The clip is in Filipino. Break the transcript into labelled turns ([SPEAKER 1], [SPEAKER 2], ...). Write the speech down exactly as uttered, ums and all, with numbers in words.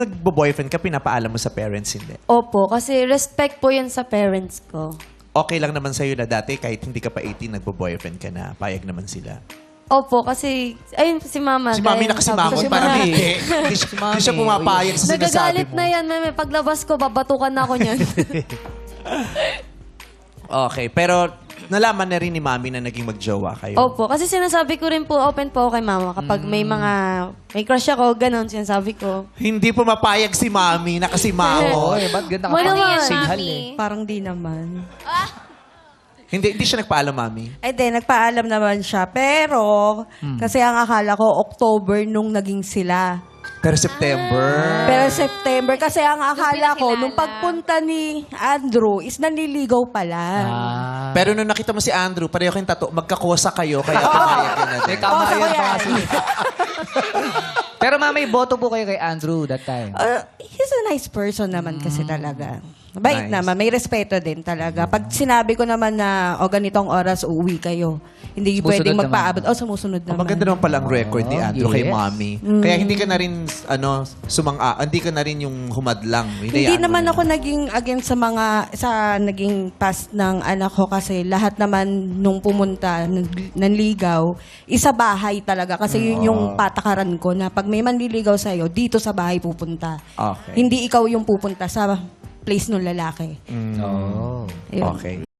[SPEAKER 1] nagbo-boyfriend ka, pinapaalam mo sa parents, hindi?
[SPEAKER 2] Opo, kasi respect po yun sa parents ko.
[SPEAKER 1] Okay lang naman sa'yo na dati, kahit hindi ka pa eighteen, nagbo-boyfriend ka na, payag naman sila.
[SPEAKER 2] Opo, kasi, ayun si mama.
[SPEAKER 1] Si mami
[SPEAKER 2] gaya ng sabi
[SPEAKER 1] nakasimangon,
[SPEAKER 2] ko.
[SPEAKER 1] parang hindi. Hindi siya- hindi siya pumapayag sa sinasabi
[SPEAKER 2] Nagagalit
[SPEAKER 1] mo.
[SPEAKER 2] na yan, mami. Paglabas ko, babatukan na ako niyan.
[SPEAKER 1] Okay, pero nalaman na rin ni mami na naging magjowa kayo.
[SPEAKER 2] Opo, kasi sinasabi ko rin po, open po ako kay mama. Kapag may mga, may crush ako, ganon, sinasabi ko.
[SPEAKER 1] Hindi pumapayag si mami, nakasimangon.
[SPEAKER 3] Oy, ba't ganda ka
[SPEAKER 2] Wala
[SPEAKER 3] pa?
[SPEAKER 2] naman.
[SPEAKER 3] Singhal
[SPEAKER 4] Mami.
[SPEAKER 3] eh.
[SPEAKER 5] Parang di naman.
[SPEAKER 1] Hindi, hindi siya nagpaalam, mami.
[SPEAKER 5] Ay, di, nagpaalam naman siya. Pero, kasi ang akala ko, October nung naging sila.
[SPEAKER 1] Pero September.
[SPEAKER 5] Pero September, kasi ang akala ko,
[SPEAKER 4] pinakilala.
[SPEAKER 5] nung pagpunta ni Andrew, is nanliligaw pala.
[SPEAKER 3] Ah.
[SPEAKER 1] Pero nung nakita mo si Andrew, pareho kayong tato, magkakosa kayo, kaya pumayag ka na din.
[SPEAKER 3] May tama
[SPEAKER 5] Oo,
[SPEAKER 3] yan
[SPEAKER 5] kaya-
[SPEAKER 3] pa kasi. Pero mama, may boto po kayo kay Andrew that time.
[SPEAKER 5] Uh, he's a nice person naman kasi talaga. Bait
[SPEAKER 1] Nice.
[SPEAKER 5] naman, may respeto din talaga. Pag sinabi ko naman na, o ganitong oras, uuwi kayo. Hindi
[SPEAKER 3] Sumusunod
[SPEAKER 5] pwedeng
[SPEAKER 3] naman.
[SPEAKER 5] magpaabot. O, sumusunod
[SPEAKER 1] Oh,
[SPEAKER 5] naman.
[SPEAKER 1] maganda naman pala ang record ni
[SPEAKER 3] Oh,
[SPEAKER 1] Andrew kay
[SPEAKER 3] yes.
[SPEAKER 1] mami. Kaya hindi ka na rin, ano, sumang hindi ka na rin yung humadlang.
[SPEAKER 5] Hindi
[SPEAKER 1] Hinayaan mo
[SPEAKER 5] naman
[SPEAKER 1] na.
[SPEAKER 5] ako naging against sa mga sa naging past ng anak ko kasi lahat naman nung pumunta nag- nanligaw isa bahay talaga kasi yun yung patakaran ko na pag may manliligaw sa iyo dito sa bahay pupunta.
[SPEAKER 1] Okay.
[SPEAKER 5] Hindi ikaw yung pupunta sa place ng lalaki.
[SPEAKER 3] Oh.
[SPEAKER 5] Ayun.
[SPEAKER 1] Okay.